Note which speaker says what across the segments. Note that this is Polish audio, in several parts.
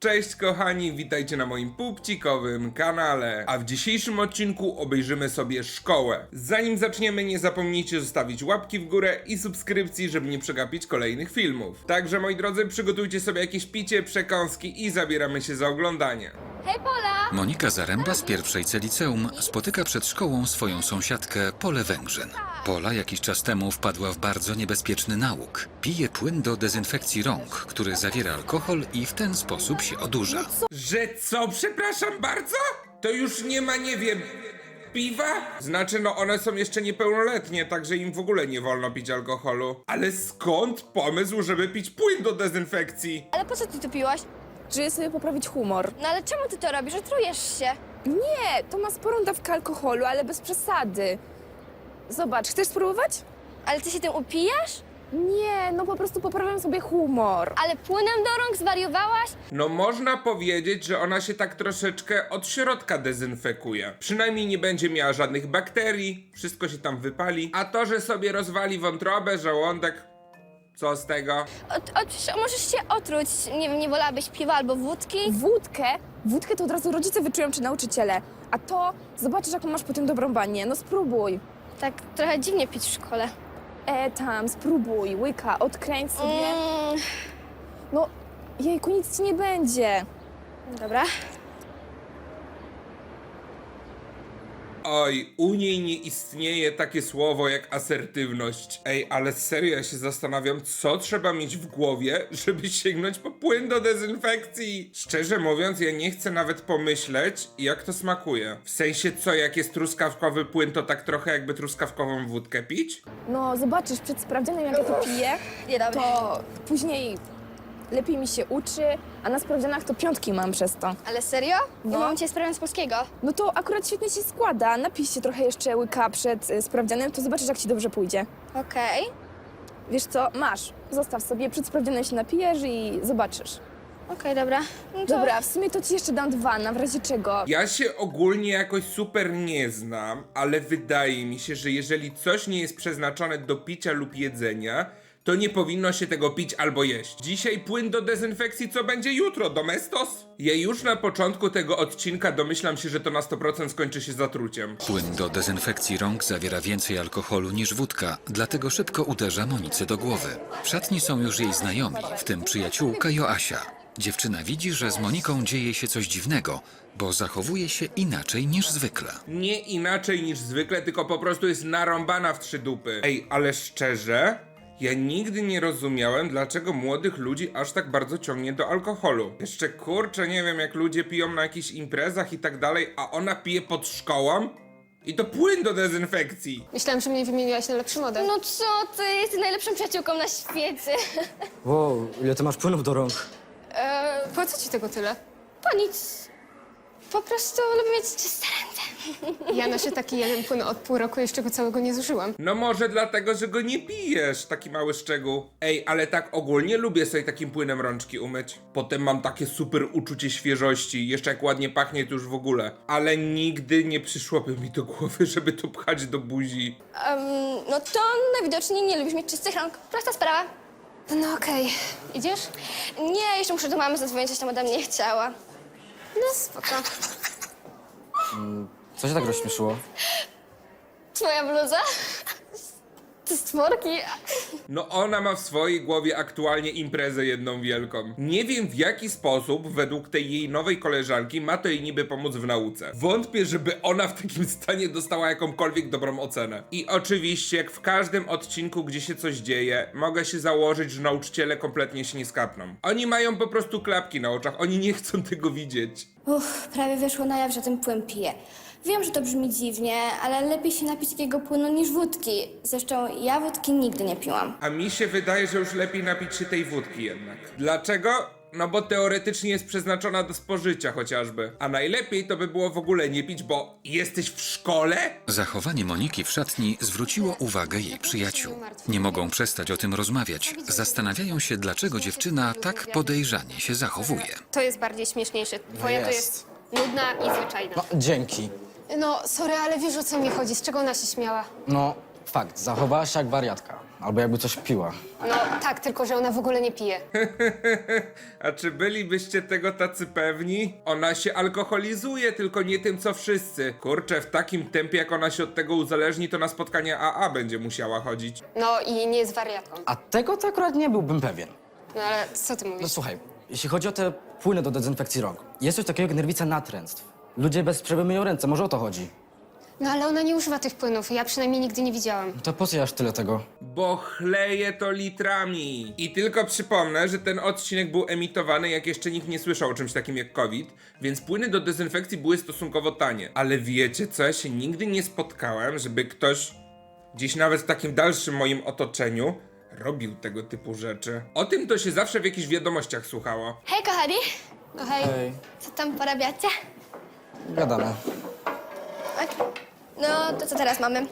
Speaker 1: Cześć kochani, witajcie na moim pupcikowym kanale, a w dzisiejszym odcinku obejrzymy sobie szkołę. Zanim zaczniemy, nie zapomnijcie zostawić łapki w górę i subskrypcji, żeby nie przegapić kolejnych filmów. Także moi drodzy, przygotujcie sobie jakieś picie, przekąski i zabieramy się za oglądanie.
Speaker 2: Hej Pola!
Speaker 3: Monika Zaręba z pierwszej C liceum spotyka przed szkołą swoją sąsiadkę Polę Węgrzyn. Pola jakiś czas temu wpadła w bardzo niebezpieczny nałóg. Pije płyn do dezynfekcji rąk, który zawiera alkohol i w ten sposób się odurza.
Speaker 1: Że co? Przepraszam bardzo? To już nie ma, nie wiem, piwa? Znaczy, no one są jeszcze niepełnoletnie, także im w ogóle nie wolno pić alkoholu. Ale skąd pomysł, żeby pić płyn do dezynfekcji?
Speaker 2: Ale po co ty to piłaś?
Speaker 4: Żeby sobie poprawić humor.
Speaker 2: No ale czemu ty to robisz? Otrujesz się.
Speaker 4: Nie, to ma sporą dawkę alkoholu, ale bez przesady. Zobacz, chcesz spróbować?
Speaker 2: Ale ty się tym upijasz?
Speaker 4: Nie, no po prostu poprawiam sobie humor.
Speaker 2: Ale płynem do rąk zwariowałaś?
Speaker 1: No można powiedzieć, że ona się tak troszeczkę od środka dezynfekuje. Przynajmniej nie będzie miała żadnych bakterii, wszystko się tam wypali. A to, że sobie rozwali wątrobę, żołądek, co z tego?
Speaker 2: Możesz się otruć. Nie wiem, nie wolałabyś piwa albo wódki?
Speaker 4: Wódkę to od razu rodzice wyczują czy nauczyciele. A to zobaczysz, jaką masz potem dobrą banię. No spróbuj.
Speaker 2: Tak trochę dziwnie pić w szkole.
Speaker 4: Tam, spróbuj, łyka, odkręć sobie. No, jejku, nic ci nie będzie.
Speaker 2: Dobra.
Speaker 1: Oj, u niej nie istnieje takie słowo jak asertywność. Ej, ale serio, ja się zastanawiam, co trzeba mieć w głowie, żeby sięgnąć po płyn do dezynfekcji. Szczerze mówiąc, ja nie chcę nawet pomyśleć, jak to smakuje. W sensie co, jak jest truskawkowy płyn, to tak trochę jakby truskawkową wódkę pić?
Speaker 4: No, zobaczysz, przed sprawdzianem, jak ja to piję,
Speaker 2: Niedobre.
Speaker 4: to później lepiej mi się uczy, a na sprawdzianach to 5 mam przez to.
Speaker 2: Ale serio?
Speaker 4: No.
Speaker 2: Ja mam cię sprawę z polskiego.
Speaker 4: No to akurat świetnie się składa. Napij się trochę jeszcze łyka przed sprawdzianem, to zobaczysz, jak ci dobrze pójdzie.
Speaker 2: Okej.
Speaker 4: Wiesz co, masz. Zostaw sobie, przed sprawdzianem się napijesz i zobaczysz.
Speaker 2: Okej, dobra. No to...
Speaker 4: Dobra, w sumie to ci jeszcze dam 2, na w razie czego.
Speaker 1: Ja się ogólnie jakoś super nie znam, ale wydaje mi się, że jeżeli coś nie jest przeznaczone do picia lub jedzenia, to nie powinno się tego pić albo jeść. Dzisiaj płyn do dezynfekcji, co będzie jutro? Domestos? Ja już na początku tego odcinka domyślam się, że to na 100% skończy się zatruciem.
Speaker 3: Płyn do dezynfekcji rąk zawiera więcej alkoholu niż wódka, dlatego szybko uderza Monice do głowy. W szatni są już jej znajomi, w tym przyjaciółka Joasia. Dziewczyna widzi, że z Moniką dzieje się coś dziwnego, bo zachowuje się inaczej niż zwykle.
Speaker 1: Nie inaczej niż zwykle, tylko po prostu jest narąbana w 3 dupy. Ej, ale szczerze, ja nigdy nie rozumiałem, dlaczego młodych ludzi aż tak bardzo ciągnie do alkoholu. Jeszcze kurczę, nie wiem, jak ludzie piją na jakichś imprezach i tak dalej, a ona pije pod szkołą? I to płyn do dezynfekcji.
Speaker 5: Myślałam, że mnie wymieniłaś na lepszy model.
Speaker 2: No co ty? Jesteś najlepszą przyjaciółką na świecie.
Speaker 6: Wow, ile ty masz płynów do rąk?
Speaker 5: Po co ci tego tyle?
Speaker 2: To nic. Po prostu lubię mieć czyste ręce.
Speaker 5: Ja noszę taki jeden płyn od pół roku, jeszcze go całego nie zużyłam.
Speaker 1: No może dlatego, że go nie pijesz, taki mały szczegół. Ej, ale tak ogólnie lubię sobie takim płynem rączki umyć. Potem mam takie super uczucie świeżości, jeszcze jak ładnie pachnie to już w ogóle. Ale nigdy nie przyszłoby mi do głowy, żeby to pchać do buzi.
Speaker 2: No to najwidoczniej nie lubisz mieć czystych rąk. Prosta sprawa.
Speaker 5: No okej. Idziesz?
Speaker 2: Nie, jeszcze muszę do mamy zadzwonić, coś tam ode mnie chciała.
Speaker 5: No spoko.
Speaker 6: Co się tak rozśmieszyło?
Speaker 2: Twoja bluza? Te stworki.
Speaker 1: No ona ma w swojej głowie aktualnie imprezę jedną wielką. Nie wiem w jaki sposób według tej jej nowej koleżanki ma to jej niby pomóc w nauce. Wątpię, żeby ona w takim stanie dostała jakąkolwiek dobrą ocenę. I oczywiście jak w każdym odcinku, gdzie się coś dzieje, mogę się założyć, że nauczyciele kompletnie się nie skapną. Oni mają po prostu klapki na oczach, oni nie chcą tego widzieć.
Speaker 2: Prawie wyszło na jaw, że ten płyn piję. Wiem, że to brzmi dziwnie, ale lepiej się napić takiego płynu niż wódki. Zresztą ja wódki nigdy nie piłam.
Speaker 1: A mi się wydaje, że już lepiej napić się tej wódki jednak. Dlaczego? No bo teoretycznie jest przeznaczona do spożycia chociażby. A najlepiej to by było w ogóle nie pić, bo jesteś w szkole?
Speaker 3: Zachowanie Moniki w szatni zwróciło uwagę jej przyjaciół. Nie mogą przestać o tym rozmawiać. Zastanawiają się, dlaczego dziewczyna tak podejrzanie się zachowuje.
Speaker 5: To jest bardziej śmieszniejsze. Twoja to jest nudna i zwyczajna.
Speaker 6: No, dzięki.
Speaker 5: No, sorry, ale wiesz, o co mi chodzi, z czego ona się śmiała.
Speaker 6: No, fakt, zachowałaś się jak wariatka. Albo jakby coś piła.
Speaker 5: No tak, tylko że ona w ogóle nie pije.
Speaker 1: A czy bylibyście tego tacy pewni? Ona się alkoholizuje, tylko nie tym co wszyscy. Kurczę, w takim tempie jak ona się od tego uzależni, to na spotkania AA będzie musiała chodzić.
Speaker 5: No i nie jest wariatką.
Speaker 6: A tego to akurat nie byłbym pewien.
Speaker 5: No ale co ty
Speaker 6: No
Speaker 5: mówisz?
Speaker 6: słuchaj, jeśli chodzi o te płyny do dezynfekcji rąk, jest coś takiego jak nerwica natręstw. Ludzie bez przerwy myją ręce, może o to chodzi.
Speaker 5: No ale ona nie używa tych płynów, ja przynajmniej nigdy nie widziałam.
Speaker 6: To po co aż tyle tego?
Speaker 1: Bo chleje to litrami. I tylko przypomnę, że ten odcinek był emitowany, jak jeszcze nikt nie słyszał o czymś takim jak COVID, więc płyny do dezynfekcji były stosunkowo tanie. Ale wiecie co, ja się nigdy nie spotkałem, żeby ktoś, gdzieś nawet w takim dalszym moim otoczeniu, robił tego typu rzeczy. O tym to się zawsze w jakichś wiadomościach słuchało.
Speaker 2: Hej, kochani!
Speaker 5: No hej,
Speaker 6: Hej,
Speaker 2: Co tam porabiacie?
Speaker 6: gadamy.
Speaker 2: No, to co teraz mamy?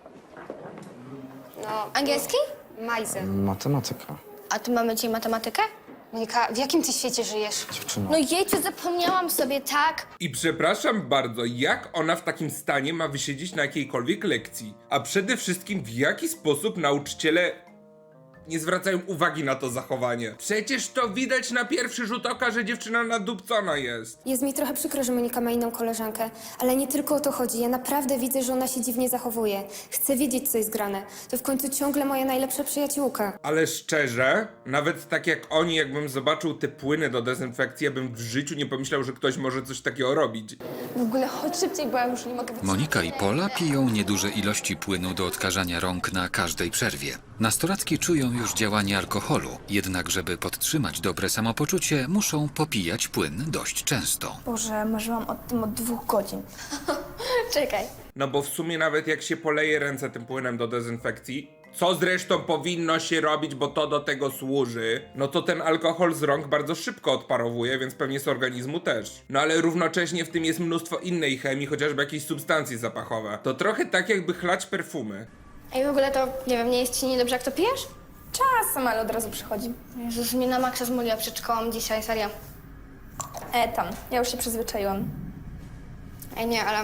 Speaker 5: no
Speaker 2: Angielski?
Speaker 5: Majzy.
Speaker 6: Matematyka.
Speaker 2: A tu mamy dzisiaj matematykę?
Speaker 5: Monika, w jakim ty świecie żyjesz?
Speaker 6: Dziewczyno.
Speaker 2: No jejciu, zapomniałam sobie, tak?
Speaker 1: I przepraszam bardzo, jak ona w takim stanie ma wysiedzieć na jakiejkolwiek lekcji? A przede wszystkim w jaki sposób nauczyciele nie zwracają uwagi na to zachowanie? Przecież to widać na pierwszy rzut oka, że dziewczyna nadupcona jest.
Speaker 7: Jest mi trochę przykro, że Monika ma inną koleżankę, ale nie tylko o to chodzi. Ja naprawdę widzę, że ona się dziwnie zachowuje. Chcę wiedzieć, co jest grane. To w końcu ciągle moja najlepsza przyjaciółka.
Speaker 1: Ale szczerze, nawet tak jak oni, jakbym zobaczył te płyny do dezynfekcji, ja bym w życiu nie pomyślał, że ktoś może coś takiego robić.
Speaker 4: W ogóle chodź szybciej, bo ja już nie mogę wytrzymać.
Speaker 3: Monika i Pola piją nieduże ilości płynu do odkażania rąk na każdej przerwie. Nastolatki czują już działanie alkoholu, jednak żeby podtrzymać dobre samopoczucie, muszą popijać płyn dość często.
Speaker 8: Boże, marzyłam o tym od 2 godzin.
Speaker 2: Czekaj.
Speaker 1: No bo w sumie nawet jak się poleje ręce tym płynem do dezynfekcji, co zresztą powinno się robić, bo to do tego służy, no to ten alkohol z rąk bardzo szybko odparowuje, więc pewnie z organizmu też. No ale równocześnie w tym jest mnóstwo innej chemii, chociażby jakieś substancje zapachowe. To trochę tak jakby chlać perfumy.
Speaker 2: Ej, w ogóle to, nie wiem, nie jest ci niedobrze, jak to pijesz?
Speaker 8: Czasem, ale od razu przychodzi.
Speaker 2: Jezus, mnie na maksa zmuliła przed szkołą dzisiaj, serio.
Speaker 8: Tam, ja już się przyzwyczaiłam.
Speaker 2: Ej, nie, ale...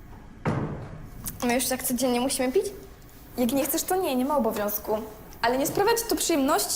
Speaker 2: My już tak codziennie musimy pić?
Speaker 8: Jak nie chcesz, to nie ma obowiązku. Ale nie sprawia ci to przyjemności?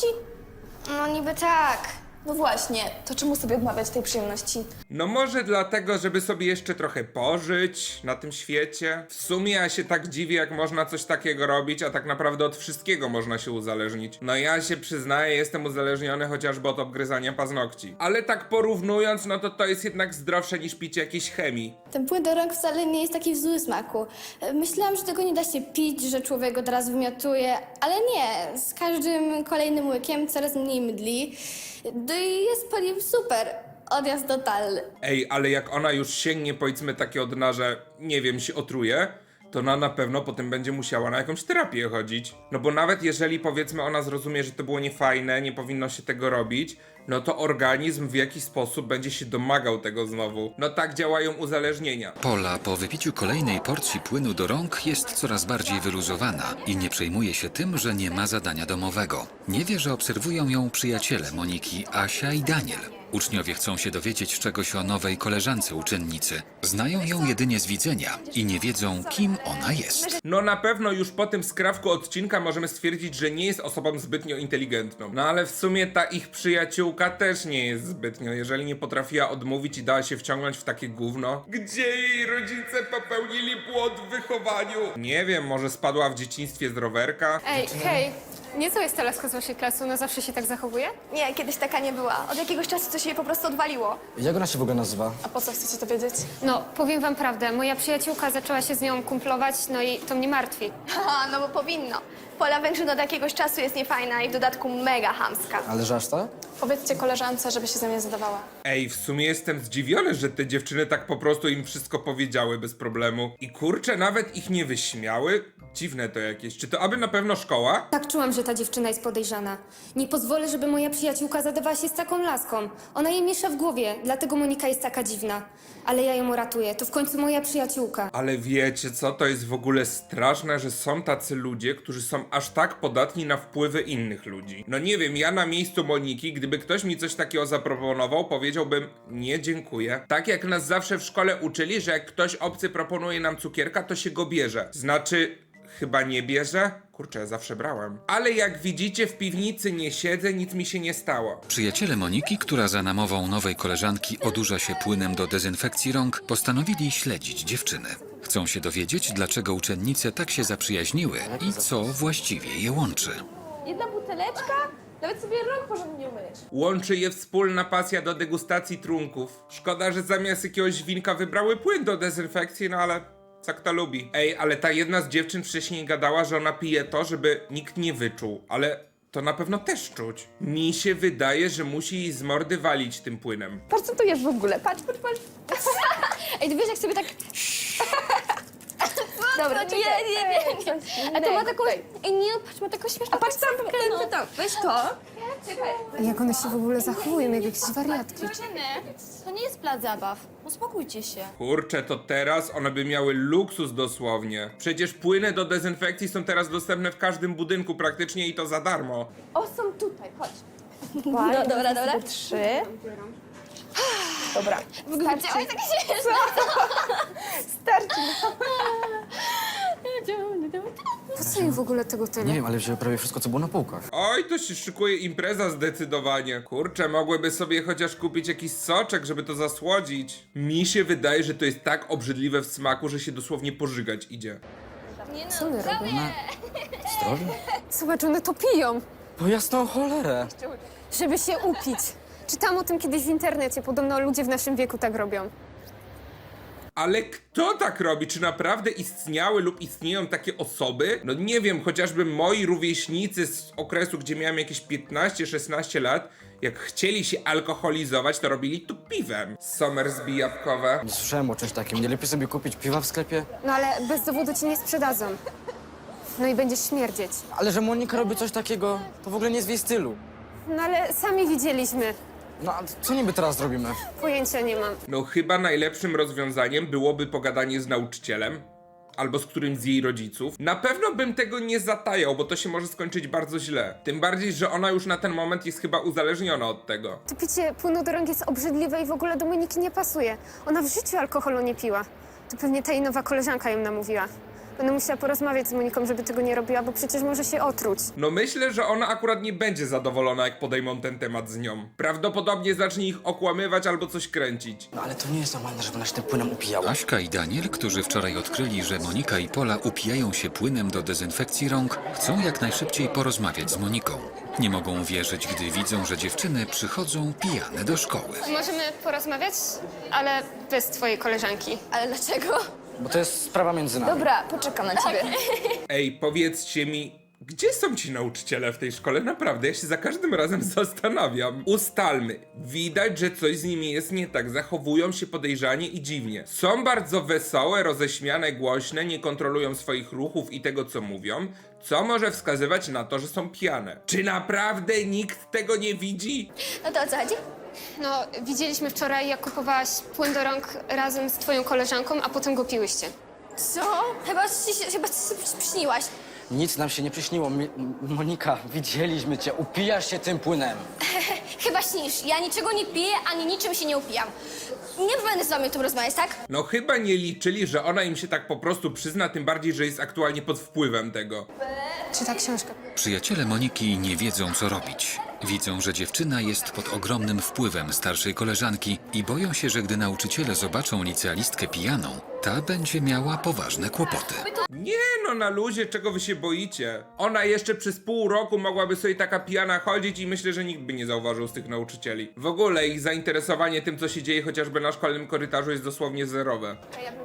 Speaker 2: No niby tak.
Speaker 8: No właśnie, to czemu sobie odmawiać tej przyjemności?
Speaker 1: No może dlatego, żeby sobie jeszcze trochę pożyć na tym świecie. W sumie ja się tak dziwię, jak można coś takiego robić, a tak naprawdę od wszystkiego można się uzależnić. No ja się przyznaję, jestem uzależniony chociażby od obgryzania paznokci. Ale tak porównując, no to jest jednak zdrowsze niż picie jakiejś chemii.
Speaker 2: Ten płyn do rąk wcale nie jest taki w złym smaku. Myślałam, że tego nie da się pić, że człowiek od razu wymiotuje, ale nie. Z każdym kolejnym łykiem coraz mniej mydli. No i jest po nim super. Odjazd totalny.
Speaker 1: Ej, ale jak ona już sięgnie powiedzmy takie od dna, że nie wiem, się otruje, to ona na pewno potem będzie musiała na jakąś terapię chodzić. No bo nawet jeżeli powiedzmy ona zrozumie, że to było niefajne, nie powinno się tego robić, no to organizm w jakiś sposób będzie się domagał tego znowu. No tak działają uzależnienia.
Speaker 3: Pola po wypiciu kolejnej porcji płynu do rąk jest coraz bardziej wyluzowana i nie przejmuje się tym, że nie ma zadania domowego. Nie wie, że obserwują ją przyjaciele Moniki, Asia i Daniel. Uczniowie chcą się dowiedzieć czegoś o nowej koleżance uczennicy. Znają ją jedynie z widzenia i nie wiedzą, kim ona jest.
Speaker 1: No na pewno już po tym skrawku odcinka możemy stwierdzić, że nie jest osobą zbytnio inteligentną. No ale w sumie ta ich przyjaciółka też nie jest zbytnio, jeżeli nie potrafiła odmówić i dała się wciągnąć w takie gówno. Gdzie jej rodzice popełnili błąd w wychowaniu? Nie wiem, może spadła w dzieciństwie z rowerka?
Speaker 5: Ej, hej, nieco jest teraz z waszej klasy, ona zawsze się tak zachowuje?
Speaker 8: Nie, kiedyś taka nie była. Od jakiegoś czasu to się jej po prostu odwaliło.
Speaker 6: Jak ona się w ogóle nazywa?
Speaker 8: A po co chcecie to wiedzieć?
Speaker 5: No, powiem wam prawdę, moja przyjaciółka zaczęła się z nią kumplować, no i to mnie martwi.
Speaker 8: Haha, no bo powinno. Pola Węgrzyn od jakiegoś czasu jest niefajna i w dodatku mega chamska.
Speaker 6: Ale że aż tak?
Speaker 8: Powiedzcie koleżance, żeby się ze mnie zadawała.
Speaker 1: Ej, w sumie jestem zdziwiony, że te dziewczyny tak po prostu im wszystko powiedziały bez problemu. I kurczę, nawet ich nie wyśmiały? Dziwne to jakieś. Czy to aby na pewno szkoła?
Speaker 7: Tak czułam, że ta dziewczyna jest podejrzana. Nie pozwolę, żeby moja przyjaciółka zadawała się z taką laską. Ona jej miesza w głowie, dlatego Monika jest taka dziwna. Ale ja ją uratuję, to w końcu moja przyjaciółka.
Speaker 1: Ale wiecie co, to jest w ogóle straszne, że są tacy ludzie, którzy są aż tak podatni na wpływy innych ludzi. No nie wiem, ja na miejscu Moniki, gdyby ktoś mi coś takiego zaproponował, powiedziałbym nie dziękuję. Tak jak nas zawsze w szkole uczyli, że jak ktoś obcy proponuje nam cukierka, to się go bierze. Znaczy... chyba nie bierze? Kurczę, ja zawsze brałem. Ale jak widzicie, w piwnicy nie siedzę, nic mi się nie stało.
Speaker 3: Przyjaciele Moniki, która za namową nowej koleżanki odurza się płynem do dezynfekcji rąk, postanowili śledzić dziewczyny. Chcą się dowiedzieć, dlaczego uczennice tak się zaprzyjaźniły i co właściwie je łączy.
Speaker 4: Jedna buteleczka, nawet sobie rąk porządnie nie umyjesz.
Speaker 1: Łączy je wspólna pasja do degustacji trunków. Szkoda, że zamiast jakiegoś winka wybrały płyn do dezynfekcji, no ale co kto lubi. Ej, ale ta jedna z dziewczyn wcześniej gadała, że ona pije to, żeby nikt nie wyczuł, ale to na pewno też czuć. Mi się wydaje, że musi jej z mordy walić tym płynem.
Speaker 4: Patrz, co tu jest w ogóle, patrz.
Speaker 2: Ej, ty wiesz, jak sobie tak...
Speaker 4: Dobra,
Speaker 2: nie. A to ma taką...
Speaker 4: Tutaj.
Speaker 2: Ej, nie, patrz, ma taką śmieszną...
Speaker 4: A patrz tam, weź to.
Speaker 7: Jak one się w ogóle zachowują, jak jakieś wariatki.
Speaker 2: To nie jest plac zabaw. Uspokójcie się.
Speaker 1: Kurczę, to teraz one by miały luksus dosłownie. Przecież płyny do dezynfekcji są teraz dostępne w każdym budynku praktycznie i to za darmo.
Speaker 4: O, są tutaj, chodź.
Speaker 2: No, dobra.
Speaker 4: 3. Dobra,
Speaker 2: Widziałeś, tak śmieszne?
Speaker 4: starczy.
Speaker 7: Po co im w ogóle tego
Speaker 6: Nie
Speaker 7: tyle?
Speaker 6: wiem, ale wzięły prawie wszystko, co było na półkach.
Speaker 1: Oj, to się szykuje impreza zdecydowanie. Kurczę, mogłyby sobie chociaż kupić jakiś soczek, żeby to zasłodzić. Mi się wydaje, że to jest tak obrzydliwe w smaku, że się dosłownie pożygać idzie.
Speaker 7: Co one robią?
Speaker 6: Zdrowie?
Speaker 7: Zobacz, one to piją,
Speaker 6: Po jasną cholerę.
Speaker 7: żeby się upić. Czytałam o tym kiedyś w internecie, podobno ludzie w naszym wieku tak robią.
Speaker 1: Ale kto tak robi? Czy naprawdę istniały lub istnieją takie osoby? No nie wiem, chociażby moi rówieśnicy z okresu, gdzie miałem jakieś 15-16 lat, jak chcieli się alkoholizować, to robili to piwem. Somersby jabłkowe.
Speaker 6: Nie słyszałem o czymś takim. Nie lepiej sobie kupić piwa w sklepie?
Speaker 7: No ale bez dowodu ci nie sprzedadzą. No i będziesz śmierdzieć.
Speaker 6: Ale że Monika robi coś takiego, to w ogóle nie jest w jej stylu.
Speaker 7: No ale sami widzieliśmy.
Speaker 6: No a co niby teraz zrobimy?
Speaker 7: Pojęcia nie mam.
Speaker 1: No chyba najlepszym rozwiązaniem byłoby pogadanie z nauczycielem. Albo z którymś z jej rodziców. Na pewno bym tego nie zatajał, bo to się może skończyć bardzo źle. Tym bardziej, że ona już na ten moment jest chyba uzależniona od tego.
Speaker 7: To picie płynu do rąk jest obrzydliwe i w ogóle do Moniki nie pasuje. Ona w życiu alkoholu nie piła. To pewnie ta jej nowa koleżanka ją namówiła. Będę musiała porozmawiać z Moniką, żeby tego nie robiła, bo przecież może się otruć.
Speaker 1: No myślę, że ona akurat nie będzie zadowolona, jak podejmą ten temat z nią. Prawdopodobnie zacznie ich okłamywać albo coś kręcić.
Speaker 6: No ale to nie jest normalne, żeby ona się tym płynem upijała.
Speaker 3: Aśka i Daniel, którzy wczoraj odkryli, że Monika i Pola upijają się płynem do dezynfekcji rąk, chcą jak najszybciej porozmawiać z Moniką. Nie mogą wierzyć, gdy widzą, że dziewczyny przychodzą pijane do szkoły.
Speaker 5: Możemy porozmawiać, ale bez twojej koleżanki.
Speaker 2: Ale dlaczego?
Speaker 6: Bo to jest sprawa między nami.
Speaker 4: Dobra, poczekam na ciebie.
Speaker 1: Ej, powiedzcie mi, gdzie są ci nauczyciele w tej szkole? Naprawdę, ja się za każdym razem zastanawiam. Ustalmy, widać, że coś z nimi jest nie tak. Zachowują się podejrzanie i dziwnie. Są bardzo wesołe, roześmiane, głośne, nie kontrolują swoich ruchów i tego, co mówią, co może wskazywać na to, że są pijane. Czy naprawdę nikt tego nie widzi?
Speaker 2: No to o co chodzi?
Speaker 5: No, widzieliśmy wczoraj, jak kupowałaś płyn do rąk razem z twoją koleżanką, a potem go piłyście.
Speaker 2: Co? Chyba ci się przyśniłaś.
Speaker 6: Nic nam się nie przyśniło. Monika, widzieliśmy cię. Upijasz się tym płynem.
Speaker 2: Chyba śnisz. Ja niczego nie piję, ani niczym się nie upijam. Nie będę z wami o tym rozmawiać, tak?
Speaker 1: No chyba nie liczyli, że ona im się tak po prostu przyzna, tym bardziej, że jest aktualnie pod wpływem tego.
Speaker 7: Czyta książkę.
Speaker 3: Przyjaciele Moniki nie wiedzą, co robić. Widzą, że dziewczyna jest pod ogromnym wpływem starszej koleżanki i boją się, że gdy nauczyciele zobaczą licealistkę pijaną, ta będzie miała poważne kłopoty.
Speaker 1: Nie no, na luzie, czego wy się boicie? Ona jeszcze przez pół roku mogłaby sobie taka pijana chodzić i myślę, że nikt by nie zauważył z tych nauczycieli. W ogóle ich zainteresowanie tym, co się dzieje chociażby na szkolnym korytarzu jest dosłownie zerowe.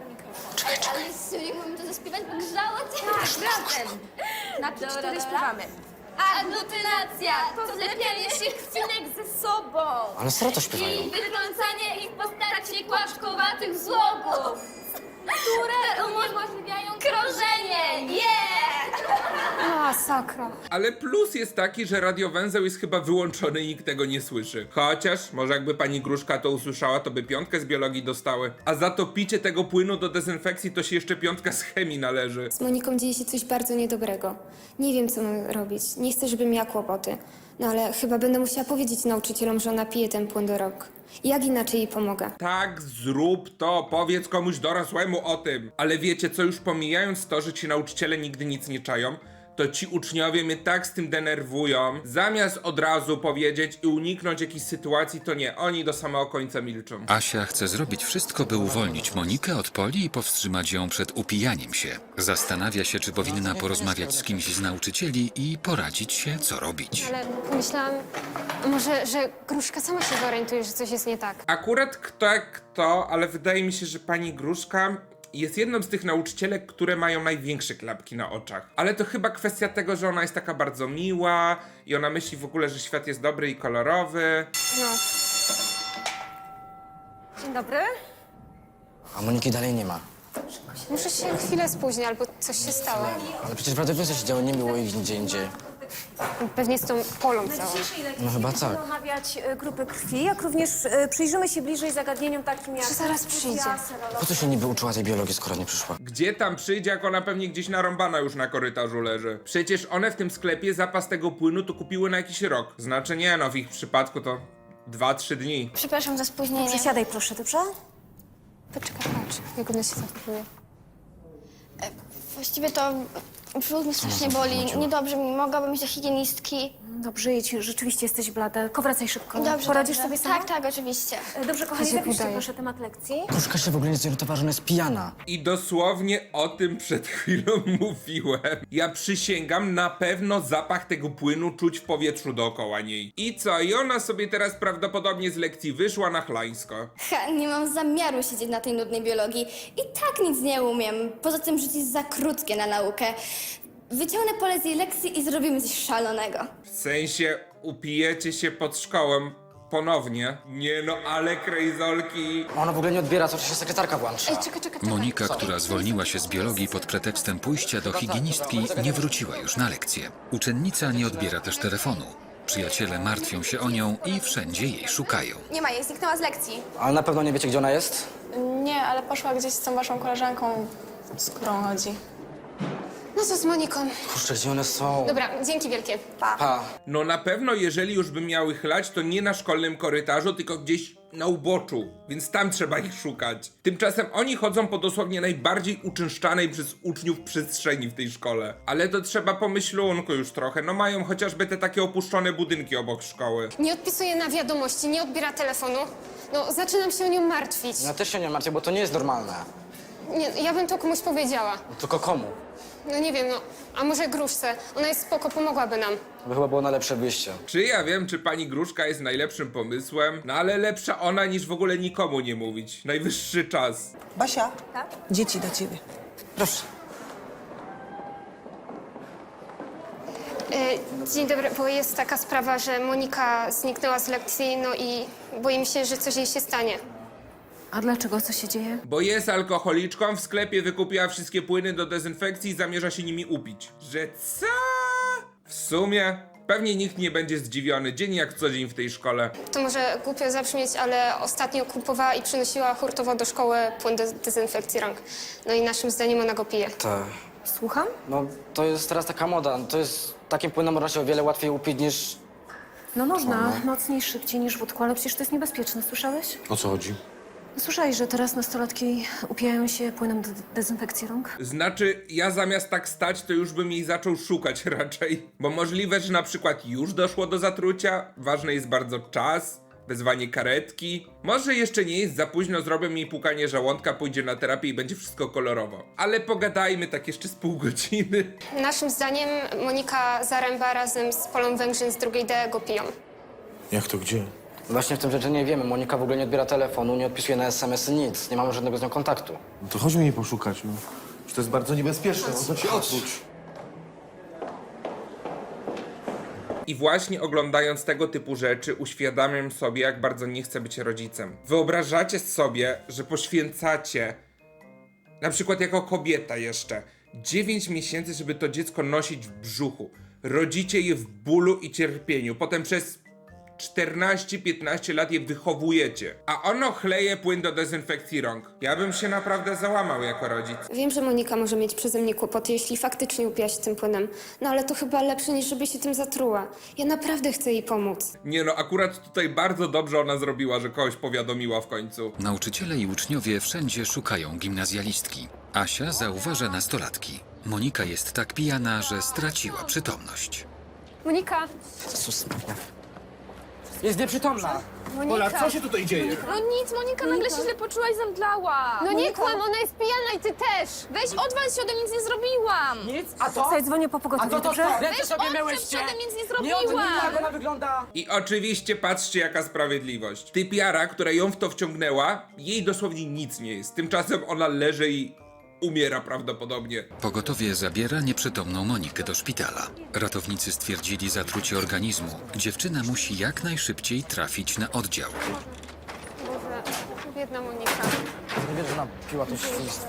Speaker 2: Ale serio, mógłbym to zaśpiewać, bo grzało cię.
Speaker 4: Razem. Na to cztery śpiewamy.
Speaker 8: Aglutynacja to zlepianie się krwinek ze sobą
Speaker 6: Ale serio to śpiewają.
Speaker 8: i wytrącanie ich w postaci kłaszkowatych złogów, które umożliwiają krążenie. Yeah!
Speaker 5: Masakra.
Speaker 1: Ale plus jest taki, że radiowęzeł jest chyba wyłączony i nikt tego nie słyszy. Chociaż, może jakby pani Gruszka to usłyszała, to by 5 z biologii dostały. A za to picie tego płynu do dezynfekcji to się jeszcze 5 z chemii należy.
Speaker 7: Z Moniką dzieje się coś bardzo niedobrego. Nie wiem, co mam robić. Nie chcę, żeby miała kłopoty. No ale chyba będę musiała powiedzieć nauczycielom, że ona pije ten płyn do rąk. Jak inaczej jej pomogę?
Speaker 1: Tak, zrób to, powiedz komuś dorosłemu o tym. Ale wiecie co, już pomijając to, że ci nauczyciele nigdy nic nie czają, to ci uczniowie mnie tak z tym denerwują. Zamiast od razu powiedzieć i uniknąć jakichś sytuacji, to nie, oni do samego końca milczą.
Speaker 3: Asia chce zrobić wszystko, by uwolnić Monikę od Poli i powstrzymać ją przed upijaniem się. Zastanawia się, czy powinna porozmawiać z kimś z nauczycieli i poradzić się, co robić.
Speaker 5: Ale pomyślałam, może, że Gruszka sama się zorientuje, że coś jest nie tak.
Speaker 1: Akurat kto jak kto, ale wydaje mi się, że pani Gruszka jest jedną z tych nauczycielek, które mają największe klapki na oczach. Ale to chyba kwestia tego, że ona jest taka bardzo miła i ona myśli w ogóle, że świat jest dobry i kolorowy.
Speaker 5: No.
Speaker 8: Dzień dobry.
Speaker 6: A Moniki dalej nie ma.
Speaker 5: Muszę się chwilę spóźnić, albo coś się stało.
Speaker 6: Ale przecież w radiowiece się działo, nie było ich nigdzie indziej.
Speaker 5: Pewnie z tą Polą całą.
Speaker 6: No chyba tak.
Speaker 9: Omawiać grupy krwi, jak również przyjrzymy się bliżej zagadnieniom takim jak...
Speaker 5: Że zaraz przyjdzie.
Speaker 6: Po co się niby uczyła tej biologii, skoro nie przyszła?
Speaker 1: Gdzie tam przyjdzie, jak ona pewnie gdzieś narąbana już na korytarzu leży? Przecież one w tym sklepie zapas tego płynu to kupiły na jakiś rok. Znaczy nie, no w ich przypadku to 2-3 dni.
Speaker 2: Przepraszam za spóźnienie.
Speaker 9: Przesiadaj proszę, dobrze?
Speaker 5: Poczekaj, patrz, jak ona się zachowuje.
Speaker 2: Właściwie to brzuch mnie strasznie boli. Niedobrze mi, mogłabym iść do higienistki.
Speaker 9: Dobrze, jedź, rzeczywiście jesteś blada. Powracaj szybko.
Speaker 2: Dobrze,
Speaker 9: Poradzisz
Speaker 2: dobrze.
Speaker 9: sobie sama?
Speaker 2: Tak, tak, oczywiście.
Speaker 9: Dobrze, kochani,
Speaker 5: się
Speaker 9: zapiszcie
Speaker 5: udaje.
Speaker 9: proszę temat lekcji.
Speaker 6: Gruszka się w ogóle nie zorientowała, że ona jest pijana.
Speaker 1: I dosłownie o tym przed chwilą mówiłem. Ja przysięgam, na pewno zapach tego płynu czuć w powietrzu dookoła niej. I co? I ona sobie teraz prawdopodobnie z lekcji wyszła na chlańsko.
Speaker 2: Ha, nie mam zamiaru siedzieć na tej nudnej biologii. I tak nic nie umiem. Poza tym życie jest za krótkie na naukę. Wyciągnę pole z jej lekcji i zrobimy coś szalonego.
Speaker 1: W sensie upijecie się pod szkołą ponownie. Nie no, ale krejzolki.
Speaker 6: Ona w ogóle nie odbiera, co się sekretarka włącza.
Speaker 5: Czekaj.
Speaker 3: Monika, która zwolniła się z biologii pod pretekstem pójścia do higienistki, nie wróciła już na lekcję. Uczennica nie odbiera też telefonu. Przyjaciele martwią się o nią i wszędzie jej szukają.
Speaker 8: Nie ma jej, zniknęła z lekcji.
Speaker 6: Ale na pewno nie wiecie, gdzie ona jest?
Speaker 4: Nie, ale poszła gdzieś z tą waszą koleżanką, z którą chodzi.
Speaker 5: No co z Moniką?
Speaker 6: Kurczę, gdzie one są?
Speaker 5: Dobra, dzięki wielkie.
Speaker 6: Pa.
Speaker 1: No na pewno, jeżeli już by miały chlać, to nie na szkolnym korytarzu, tylko gdzieś na uboczu, więc tam trzeba ich szukać. Tymczasem oni chodzą po dosłownie najbardziej uczęszczanej przez uczniów przestrzeni w tej szkole. Ale to trzeba pomyślunku już trochę, no mają chociażby te takie opuszczone budynki obok szkoły.
Speaker 5: Nie odpisuje na wiadomości, nie odbiera telefonu. No, zaczynam się o nią martwić.
Speaker 6: Ja też się nie martwię, bo to nie jest normalne.
Speaker 5: Nie, ja bym to komuś powiedziała.
Speaker 6: Tylko komu?
Speaker 5: No nie wiem, no, a może Gruszce? Ona jest spoko, pomogłaby nam.
Speaker 6: To by chyba było najlepsze wyjście.
Speaker 1: Czy ja wiem, czy pani Gruszka jest najlepszym pomysłem? No ale lepsza ona niż w ogóle nikomu nie mówić. Najwyższy czas.
Speaker 10: Basia, dzieci do ciebie.
Speaker 6: Proszę.
Speaker 5: Dzień dobry, bo jest taka sprawa, że Monika zniknęła z lekcji, no i boję mi się, że coś jej się stanie.
Speaker 9: A dlaczego? Co się dzieje?
Speaker 1: Bo jest alkoholiczką, w sklepie wykupiła wszystkie płyny do dezynfekcji i zamierza się nimi upić. Że co? W sumie pewnie nikt nie będzie zdziwiony, dzień jak co dzień w tej szkole.
Speaker 5: To może głupio zabrzmieć, ale ostatnio kupowała i przynosiła hurtowo do szkoły płyn do dezynfekcji rąk. No i naszym zdaniem ona go pije.
Speaker 6: Tak.
Speaker 9: Słucham?
Speaker 6: No, to jest teraz taka moda. To jest... Takim płynem można się o wiele łatwiej upić niż...
Speaker 9: No można, mocniej, szybciej niż wódką, ale przecież to jest niebezpieczne, słyszałeś?
Speaker 11: O co chodzi?
Speaker 9: Słyszałeś, że teraz nastolatki upijają się płynem do dezynfekcji rąk?
Speaker 1: Znaczy, ja zamiast tak stać, to już bym jej zaczął szukać raczej. Bo możliwe, że na przykład już doszło do zatrucia, ważny jest bardzo czas, wezwanie karetki. Może jeszcze nie jest za późno, zrobię jej pukanie żołądka, pójdzie na terapię i będzie wszystko kolorowo. Ale pogadajmy tak jeszcze z pół godziny.
Speaker 5: Naszym zdaniem Monika Zaręba razem z Polą Węgrzyn z drugiej D go piją.
Speaker 11: Jak to gdzie?
Speaker 6: Właśnie w tym rzeczy nie wiemy. Monika w ogóle nie odbiera telefonu, nie odpisuje na SMS-y, nic. Nie mamy żadnego z nią kontaktu.
Speaker 11: No to chodźmy jej poszukać, no. Że to jest bardzo niebezpieczne, no to się odwróć.
Speaker 1: I właśnie oglądając tego typu rzeczy uświadamiam sobie, jak bardzo nie chcę być rodzicem. Wyobrażacie sobie, że poświęcacie, na przykład jako kobieta jeszcze, 9 miesięcy, żeby to dziecko nosić w brzuchu. Rodzicie je w bólu i cierpieniu. Potem przez 14-15 lat je wychowujecie. A ono chleje płyn do dezynfekcji rąk. Ja bym się naprawdę załamał jako rodzic.
Speaker 7: Wiem, że Monika może mieć przeze mnie kłopoty, jeśli faktycznie upiła się tym płynem. No ale to chyba lepsze, niż żeby się tym zatruła. Ja naprawdę chcę jej pomóc.
Speaker 1: Nie no, akurat tutaj bardzo dobrze ona zrobiła, że kogoś powiadomiła w końcu.
Speaker 3: Nauczyciele i uczniowie wszędzie szukają gimnazjalistki. Asia zauważa nastolatki. Monika jest tak pijana, że straciła przytomność.
Speaker 4: Monika!
Speaker 6: Jezus Maria. Jest nieprzytomna.
Speaker 11: Pola, co się tutaj dzieje?
Speaker 4: No nic, Monika, nagle się źle poczuła i zemdlała.
Speaker 8: No nie kłam, ona jest pijana i ty też.
Speaker 4: Weź, odwal się, ode mnie nic nie zrobiłam.
Speaker 6: Nic? A to?
Speaker 9: Słuchaj, dzwonię po
Speaker 6: A
Speaker 9: pogotowie,
Speaker 6: to
Speaker 9: dobrze?
Speaker 6: co? Ręce sobie
Speaker 4: odczep
Speaker 6: myłyście?
Speaker 4: się, ode mnie nic nie
Speaker 6: Nie, o tym nie
Speaker 4: zrobiłam.
Speaker 6: jak ona wygląda.
Speaker 1: I oczywiście patrzcie jaka sprawiedliwość. Typiara, która ją w to wciągnęła, jej dosłownie nic nie jest. Tymczasem ona leży i umiera prawdopodobnie.
Speaker 3: Pogotowie zabiera nieprzytomną Monikę do szpitala. Ratownicy stwierdzili zatrucie organizmu. Dziewczyna musi jak najszybciej trafić na oddział.
Speaker 5: Boże, biedna Monika.
Speaker 6: Nie wiem, że ona piła to świństwo.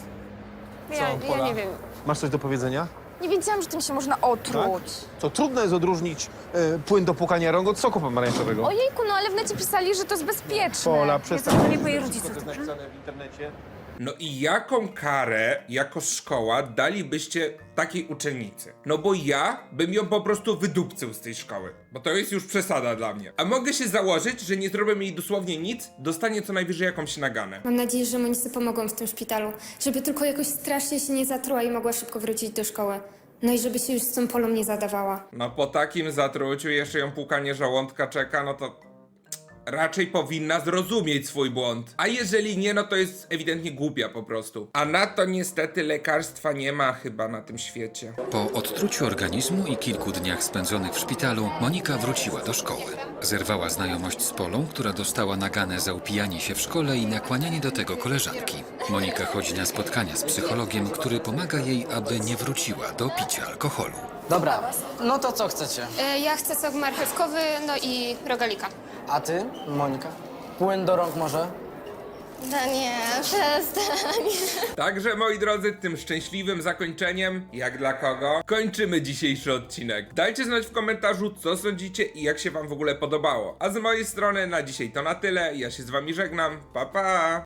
Speaker 5: Ja nie wiem.
Speaker 11: Masz coś do powiedzenia?
Speaker 4: Nie wiedziałam, że tym się można otruć.
Speaker 11: To trudno jest odróżnić płyn do płukania rąk od soku pomarańczowego.
Speaker 4: Ojejku, no ale w necie pisali, że to jest bezpieczne.
Speaker 11: Pola, przestań.
Speaker 9: dzwonię po jej rodziców,
Speaker 11: Co to jest
Speaker 9: dobrze?
Speaker 11: napisane w internecie?
Speaker 1: No i jaką karę jako szkoła dalibyście takiej uczennicy? No bo ja bym ją po prostu wydupcył z tej szkoły. Bo to jest już przesada dla mnie. A mogę się założyć, że nie zrobię jej dosłownie nic, dostanie co najwyżej jakąś naganę.
Speaker 7: Mam nadzieję, że Monice pomogą w tym szpitalu. Żeby tylko jakoś strasznie się nie zatruła i mogła szybko wrócić do szkoły. No i żeby się już z tą Polą nie zadawała.
Speaker 1: No po takim zatruciu jeszcze ją płukanie żołądka czeka, no to raczej powinna zrozumieć swój błąd. A jeżeli nie, no to jest ewidentnie głupia po prostu. A na to niestety lekarstwa nie ma chyba na tym świecie.
Speaker 3: Po odtruciu organizmu i kilku dniach spędzonych w szpitalu, Monika wróciła do szkoły. Zerwała znajomość z Polą, która dostała naganę za upijanie się w szkole i nakłanianie do tego koleżanki. Monika chodzi na spotkania z psychologiem, który pomaga jej, aby nie wróciła do picia alkoholu.
Speaker 6: Dobra, no to co chcecie?
Speaker 5: Ja chcę sok marchewkowy, no i rogalika.
Speaker 6: A ty, Monika? Płyn do rąk może?
Speaker 2: Daniel, przestań.
Speaker 1: Także moi drodzy, tym szczęśliwym zakończeniem, jak dla kogo, kończymy dzisiejszy odcinek. Dajcie znać w komentarzu, co sądzicie i jak się wam w ogóle podobało. A z mojej strony na dzisiaj to na tyle. Ja się z wami żegnam. Pa pa!